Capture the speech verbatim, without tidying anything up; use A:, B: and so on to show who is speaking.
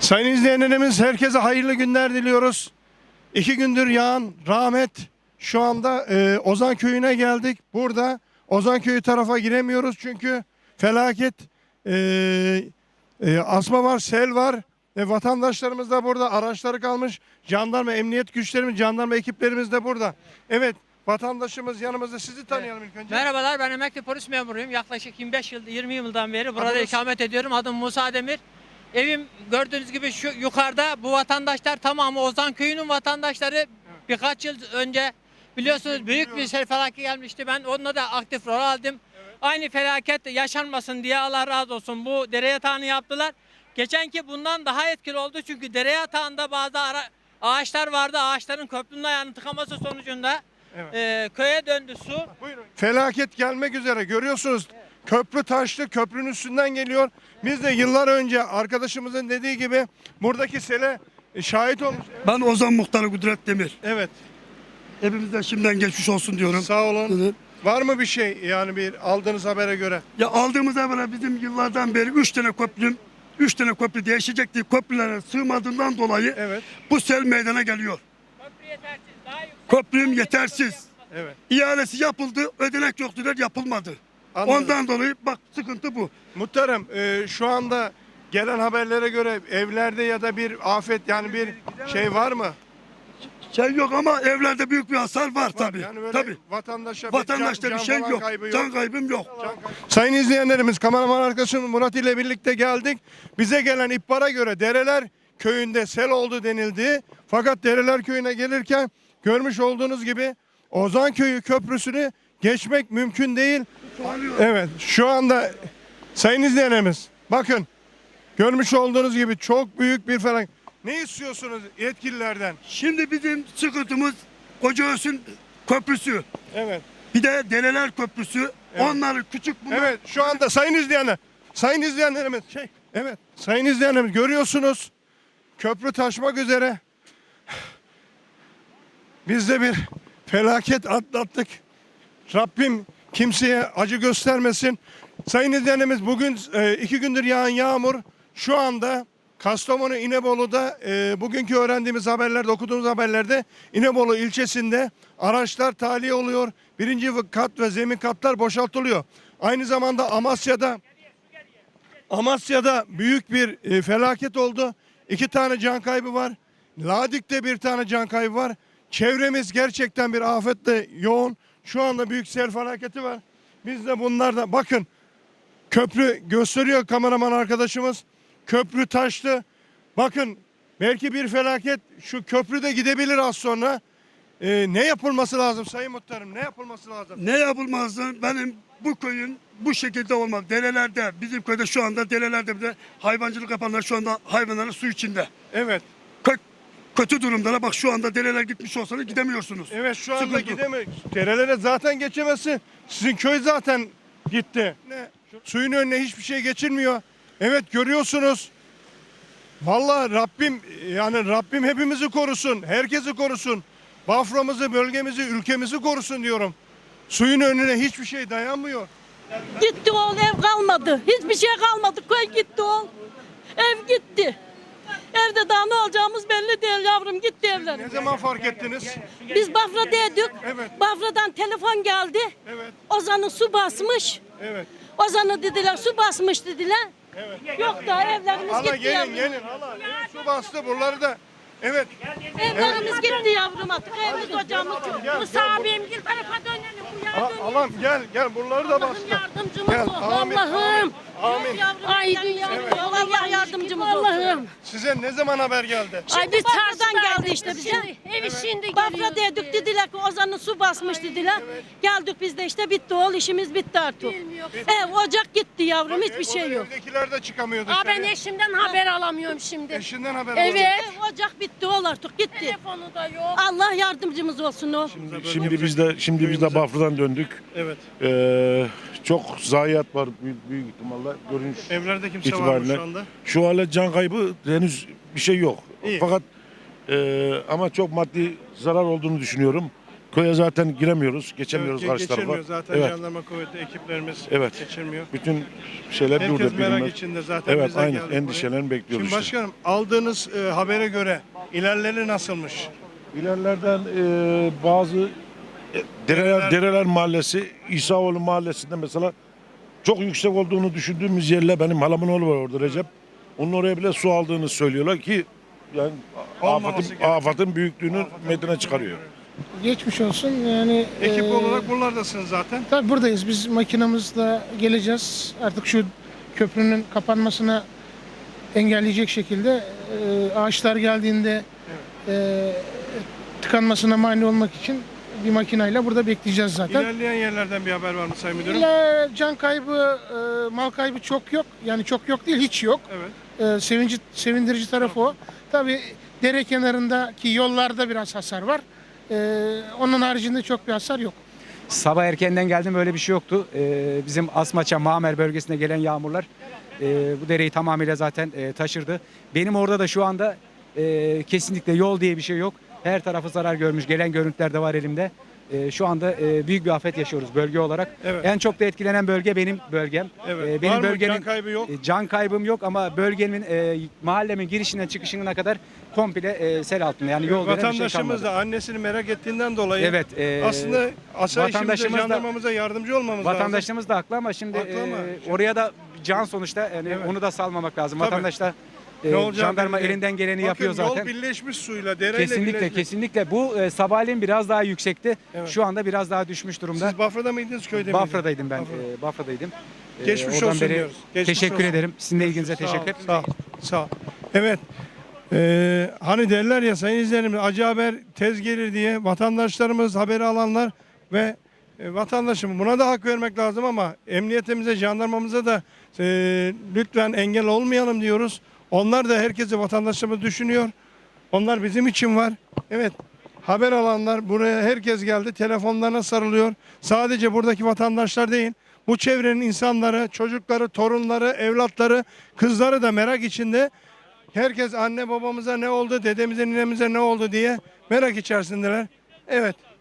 A: Sayın izleyenlerimiz, herkese hayırlı günler diliyoruz. İki gündür yağan rahmet, şu anda e, Ozan Köyü'ne geldik. Burada Ozan Köyü tarafa giremiyoruz çünkü felaket, e, e, asma var, sel var. E, vatandaşlarımız da burada, araçları kalmış. Jandarma, emniyet güçlerimiz, jandarma ekiplerimiz de burada. Evet, vatandaşımız yanımızda. Sizi tanıyalım ilk önce.
B: Merhabalar, ben emekli polis memuruyum. Yaklaşık yirmi beş yıl, yirmi yıldan beri burada
A: Adınız?
B: ikamet ediyorum. Adım Musa Demir. Evim gördüğünüz gibi şu yukarıda. Bu vatandaşlar tamamı Ozan Köyü'nün vatandaşları. Birkaç yıl önce biliyorsunuz büyük bir sel felaketi gelmişti. Ben onunla da aktif rol aldım. Aynı felaket yaşanmasın diye Allah razı olsun bu dere yatağını yaptılar. Geçenki bundan daha etkili oldu çünkü dere yatağında bazı ara, ağaçlar vardı. Ağaçların köprünün ayağının tıkaması sonucunda
A: Evet.
B: e, köye döndü su.
A: Buyurun. Felaket gelmek üzere, görüyorsunuz. Köprü taşlı, köprünün üstünden geliyor. Biz de yıllar önce arkadaşımızın dediği gibi buradaki sele e, şahit olmuş.
C: Ben Ozan Muhtarı Kudret Demir.
A: Evet.
C: Hepimize şimdiden geçmiş olsun diyorum.
A: Sağ olun.
C: Evet.
A: Var mı bir şey, yani bir aldığınız habere göre?
C: Ya aldığımız evvela bizim yıllardan beri üç tane köprüm, üç tane köprü değişecekti. Köprülere sığmadığından dolayı
A: Evet.
C: bu sel meydana geliyor.
B: Köprü yetersiz. Daha yüksek.
C: Köprüm yetersiz.
A: Evet.
C: İhalesi yapıldı, ödenek yok dediler, yapılmadı.
A: Anladım.
C: Ondan dolayı bak sıkıntı bu.
A: Muhtarım, e, şu anda gelen haberlere göre evlerde ya da bir afet, yani bir şey var mı?
C: Şey yok ama evlerde büyük bir hasar var,
A: Var.
C: tabii.
A: Yani böyle
C: Tabii.
A: vatandaşa bir
C: Vatandaşta
A: can,
C: bir
A: can
C: şey
A: falan
C: yok.
A: kaybı yok.
C: Can kaybım yok.
A: Sayın izleyenlerimiz, kameraman arkadaşım Murat ile birlikte geldik. Bize gelen ihbara göre Dereler Köyü'nde sel oldu denildi. Fakat Dereler Köyü'ne gelirken görmüş olduğunuz gibi Ozan Köyü köprüsünü geçmek mümkün değil. Evet, şu anda sayın izleyenlerimiz, bakın görmüş olduğunuz gibi çok büyük bir felaket. Ne istiyorsunuz yetkililerden?
C: Şimdi bizim sıkıntımız Kocaös'ün köprüsü.
A: Evet.
C: Bir de Deleler Köprüsü.
A: Evet.
C: Onları küçük bunlar.
A: Evet, şu anda sayın izleyenler, sayın izleyenlerimiz, şey, evet, sayın izleyenlerimiz, görüyorsunuz köprü taşmak üzere. Biz de bir felaket atlattık. Rabbim kimseye acı göstermesin. Sayın izleyenlerimiz, bugün e, iki gündür yağan yağmur şu anda Kastamonu İnebolu'da, e, bugünkü öğrendiğimiz haberlerde, okuduğumuz haberlerde İnebolu ilçesinde araçlar tahliye oluyor. Birinci kat ve zemin katlar boşaltılıyor. Aynı zamanda Amasya'da Amasya'da büyük bir e, felaket oldu. İki tane can kaybı var. Ladik'te bir tane can kaybı var. Çevremiz gerçekten bir afetle yoğun. Şu anda büyük sel felaketi var. Biz de bunlarda, bakın köprü gösteriyor kameraman arkadaşımız. Köprü taştı. Bakın belki bir felaket şu köprüde gidebilir az sonra. Ee, ne yapılması lazım Sayın Muhtarım? Ne yapılması lazım?
C: Ne yapılmazdı? Benim bu köyün bu şekilde olmaz. Derelerde, bizim köyde şu anda derelerde bir de hayvancılık yapanlar şu anda hayvanların su içinde.
A: Evet.
C: Kö kötü durumda. Bak şu anda dereler gitmiş olsanız gidemiyorsunuz.
A: Evet, şu anda
C: Sıkıntı.
A: gidemiyor. Derelere zaten geçemezsin. Sizin köy zaten gitti. Ne? Suyun önüne hiçbir şey geçilmiyor. Evet, görüyorsunuz. Vallahi Rabbim, yani Rabbim hepimizi korusun. Herkesi korusun. Bafra'mızı, bölgemizi, ülkemizi korusun diyorum. Suyun önüne hiçbir şey dayanmıyor.
D: Gitti oğul, ev kalmadı. Hiçbir şey kalmadı. Köy gitti oğul. Ev gitti. Evde daha ne olacağımız belli değil yavrum, gitti evler.
A: Ne zaman fark ettiniz?
D: Biz Bafra'daydık.
A: Evet.
D: Bafra'dan telefon geldi.
A: Evet.
D: Ozan'ı su basmış.
A: Evet.
D: Ozan'ı dediler su basmış dediler.
A: Evet.
D: Yok da evlerimiz
A: Hala
D: gitti
A: gelin
D: yavrum.
A: gelin hala. Evet, su bastı buraları da. Evet.
D: Evlerimiz gitti yavrum artık. Evimiz ocağımız yok.
A: Gel,
D: Musa
A: gel,
D: abim gel tarafa dönelim. Bu
A: A-
D: yardım.
A: Alam gel gel buraları da
D: Allah'ım
A: bastı.
D: yardımcımız
A: Gel,
D: ol.
A: amin,
D: Allah'ım.
A: Amin.
D: Ay dünya. Allah yardımcımız olsun. Allah'ım.
A: Size ne zaman haber geldi?
D: Ay biz Bafra'dan geldi işte bize.
E: Evi şimdi
D: Bafra dedik dediler ki Ozan'ın su basmış dediler. Geldik biz de işte bitti oğul işimiz bitti artık. Ev ocak gitti yavrum hiçbir şey yok.
A: Evdekiler de çıkamıyor
E: Aa, ben
A: dışarı.
E: eşimden haber alamıyorum şimdi.
A: Eşinden haber
E: Evet.
A: aldı.
D: Ev ocak bitti oğul artık gitti.
E: Telefonu da yok.
D: Allah yardımcımız olsun oğul.
F: Şimdi biz de şimdi biz de Bafra'dan döndük.
A: Evet.
F: Ee, çok zayiat var büyük, büyük ihtimalle görünüş
A: Evlerde kimse var mı
F: itibariyle.
A: şu anda?
F: Şu anda can kaybı henüz bir şey yok.
A: İyi.
F: Fakat e, ama çok maddi zarar olduğunu düşünüyorum. Köye zaten giremiyoruz, geçemiyoruz
A: Evet,
F: karşı tarafa.
A: geçirmiyor zaten
F: Evet.
A: jandarma kuvveti ekiplerimiz
F: Evet.
A: geçirmiyor.
F: Bütün şeyler
A: Herkes
F: burada.
A: merak
F: bilinmez.
A: içinde zaten
F: Evet,
A: biz de
F: aynen.
A: geldik buraya.
F: Endişelerini bekliyoruz
A: Şimdi
F: işte.
A: başkanım aldığınız e, habere göre ilerleri nasılmış?
F: İlerlerden e, bazı e, Dereler, Dereler Mahallesi, İsaoğlu Mahallesi'nde mesela çok yüksek olduğunu düşündüğümüz yerle benim halamın oğlu var orada Recep. Onun oraya bile su aldığını söylüyorlar ki yani
A: Olmaması
F: afatın,
A: gerekiyor.
F: afatın büyüklüğünü meydana çıkarıyor.
G: Geçmiş olsun. Yani
A: Ekip
G: eee,
A: olarak buralardasınız zaten.
G: tabii buradayız. Biz makinamızla geleceğiz. Artık şu köprünün kapanmasına engelleyecek şekilde eee, ağaçlar geldiğinde eee, tıkanmasına mani olmak için bir makinayla burada bekleyeceğiz zaten.
A: İlerleyen yerlerden bir haber var mı Sayın Müdürüm?
G: İlla can kaybı, eee, mal kaybı çok yok. Yani çok yok değil, hiç yok.
A: Evet.
G: Eee, sevinci, sevindirici tarafı o. Tabii dere kenarındaki yollarda biraz hasar var. Eee, onun haricinde çok bir hasar yok.
H: Sabah erkenden geldim, böyle bir şey yoktu. Ee, bizim Asmaça, Mamer bölgesine gelen yağmurlar e, bu dereyi tamamıyla zaten e, taşırdı. Benim orada da şu anda e, kesinlikle yol diye bir şey yok. Her tarafı zarar görmüş. Gelen görüntüler de var elimde. E, şu anda e, büyük bir afet yaşıyoruz bölge olarak.
A: Evet.
H: En çok da etkilenen bölge benim bölgem.
A: Evet.
H: E, benim
A: Var mı
H: bölgenin
A: can kaybı yok?
H: e, can kaybım yok ama bölgemin e, mahallemin girişinden çıkışına kadar komple e, sel altında. Yani yol veren bir şey
A: Vatandaşımız
H: kalmadı.
A: da annesini merak ettiğinden dolayı
H: Evet, e,
A: aslında asayişimize,
H: vatandaşımız da-
A: jandarmamıza yardımcı olmamız lazım.
H: Vatandaşımız da haklı ama şimdi
A: Haklı ama
H: e,
A: şimdi-
H: oraya da can sonuçta, yani
A: Evet.
H: onu da salmamak lazım.
A: Tabii.
H: Vatandaş da e,
A: Ne olacağı
H: jandarma
A: belli değil.
H: elinden geleni
A: Bakın,
H: yapıyor zaten.
A: yol birleşmiş suyla, dereyle
H: Kesinlikle
A: birleşmiş.
H: kesinlikle bu e, sabahleyin biraz daha yüksekti.
A: Evet.
H: Şu anda biraz daha düşmüş durumda.
A: Siz Bafra'da mıydınız, köyde miydiniz?
H: Bafra'daydım ben.
A: Bafra'da.
H: E, Bafra'daydım. E,
A: Geçmiş
H: oradan
A: olsun
H: beri
A: diyoruz. Geçmiş
H: teşekkür
A: olsun.
H: ederim. Sizin de ilginize
A: Sağ ol,
H: teşekkür.
A: Sağ ol, sağ ol. Evet. Ee, hani derler ya sayın izleyenimiz, acı haber tez gelir diye vatandaşlarımız, haberi alanlar ve e, vatandaşım buna da hak vermek lazım ama emniyetimize, jandarmamıza da e, lütfen engel olmayalım diyoruz. Onlar da herkesi, vatandaşlarımız düşünüyor. Onlar bizim için var. Evet. Haber alanlar buraya herkes geldi. Telefonlarına sarılıyor. Sadece buradaki vatandaşlar değil. Bu çevrenin insanları, çocukları, torunları, evlatları, kızları da merak içinde. Herkes anne babamıza ne oldu, dedemize, ninemize ne oldu diye merak içerisindeler. Evet.